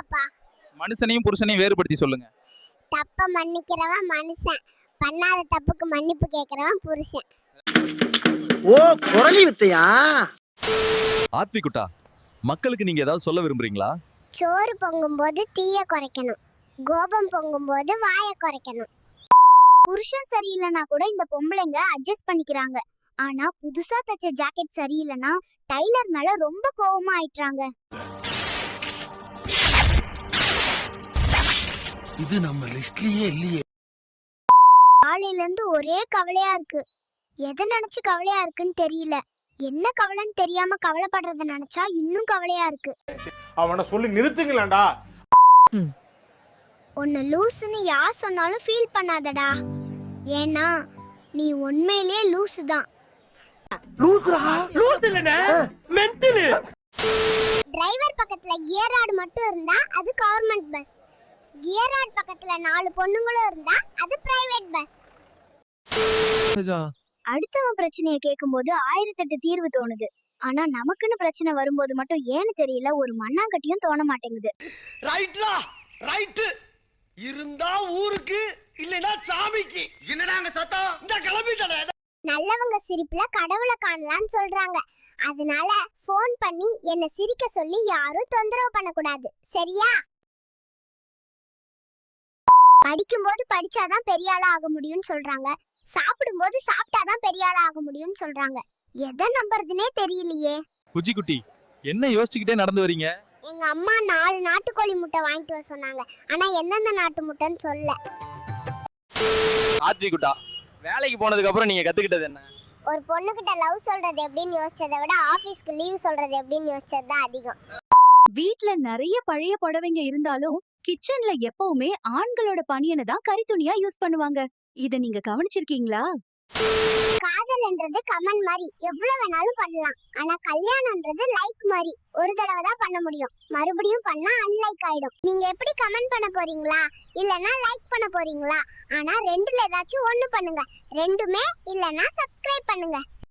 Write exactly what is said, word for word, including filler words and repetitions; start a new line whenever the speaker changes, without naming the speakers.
ஆமாப்பா.
மனுஷனையும் புருஷனையும் வேறுபடுத்தி சொல்லுங்க.
தப்ப மன்னிக்கிறவன் மனுஷன், பண்ணாத தப்புக்கு மன்னிப்பு கேக்குறவன் புருஷன்.
ஓ குரலி வித்தையா?
ஆத்விகுட்டா, மக்களுக்கு நீங்க ஏதாவது சொல்ல விரும்புறீங்களா?
சோறு பொங்கும்போது தீய குறைக்கணும், கோபம் பொங்கும்போது வாய குறைக்கணும். புருஷன் சரியில்லைனா கூட இந்த பொம்பளைங்க அட்ஜஸ்ட் பண்ணிக்கிறாங்க. ஆனா புதுசா தச்ச ஜாக்கெட் சரியில்லைனா டைலர் மேல ரொம்ப கோவமா ஆயிட்டாங்க.
இது நம்ம லிஸ்ட்லயே இல்லையே.
காலையில இருந்து ஒரே கவலையா இருக்கு. எதை நினைச்சு கவலையா இருக்குன்னு தெரியல. என்ன கவலைன்னு தெரியாம கவலைப்படுறத நினைச்சா இன்னும் கவலையா இருக்கு.
அவனை சொல்லி நிறுத்துங்களேன்டா.
உன்னை லூசுன்னு யார் சொன்னாலும் ஃபீல் பண்ணாதடா. ஏன்னா நீ உண்மையிலேயே லூசு தான். டிரைவர் பக்கத்துல கியர் ராட் மட்டும் இருந்தா அது கவர்மெண்ட் பஸ். கியர் ராட் பக்கத்துல நாலு பொண்ணுங்களும் இருந்தா அது பிரைவேட் பஸ். அடுத்தவன் பிரச்சனையை கேட்கும்போது ஆயிரத்தெட்டு தீர்வு தோணுது. ஆனா நமக்குன்னு பிரச்சனை வரும்போது மட்டும் ஏன்னு தெரியல ஒரு மண்ணாங்கட்டியும் தோண மாட்டேங்குது.
ரைட்லா ரைட். இருந்தா ஊருக்கு இல்லனா சாமிக்கு. என்னடாங்க சத்தம்? இந்த கிளம்பிட்டடா.
நல்லவங்க சிரிப்புல கடவுளை காணலாம்னு சொல்றாங்க. அதனால ஃபோன் பண்ணி என்ன சிரிக்க சொல்லி யாரும் தொந்தரவு பண்ணக்கூடாது, சரியா? படிக்கும்போது படிச்சாதான் பெரிய ஆளா ஆக முடியும்னு சொல்றாங்க. சாப்பிடும்போது சாப்பிட்டாதான் பெரிய ஆளா ஆக முடியும்னு சொல்றாங்க. எதை நம்புறதுனே தெரியலையே.
குஜி குட்டி, என்ன யோசிச்சுக்கிட்டே நடந்து வரீங்க?
எங்க அம்மா நாலு நாட்டுக்கோழி முட்டை வாங்கிட்டு வர சொன்னாங்க. ஆனா எந்தெந்த நாட்டு முட்டைன்னு சொல்ல.
ஆத்விகுட்டா, வேலைக்கு போனதுக்கு அப்புறம் நீங்க கத்துக்கிட்டது என்ன?
ஒரு பொண்ணுகிட்ட லவ் சொல்றது எப்படின்னு யோசிச்சதை விட ஆபீஸ்க்கு லீவ் சொல்றது எப்படின்னு யோசிச்சது தான் அதிகம்.
வீட்ல நிறைய பழைய புடவைங்க இருந்தாலும் கிச்சன்ல எப்பவுமே ஆண்களோட பனியனை தான் கரித்துணியா யூஸ் பண்ணுவாங்க. இத நீங்க கவனிச்சிருக்கீங்களா?
காதல்ன்றது கமெண்ட் மாதிரி எவ்வளவு வேணாலும் பண்ணலாம். ஆனா கல்யாணம்ன்றது லைக் மாதிரி ஒரு தடவை தான் பண்ண முடியும். மறுபடியும் பண்ணா அன்லைக் ஆயிடும். நீங்க எப்படி கமெண்ட் பண்ண போறீங்களா இல்லனா லைக் பண்ண போறீங்களா? ஆனா ரெண்டுல ஏதாச்சும் ஒண்ணு பண்ணுங்க. ரெண்டுமே இல்லனா சப்ஸ்கிரைப் பண்ணுங்க.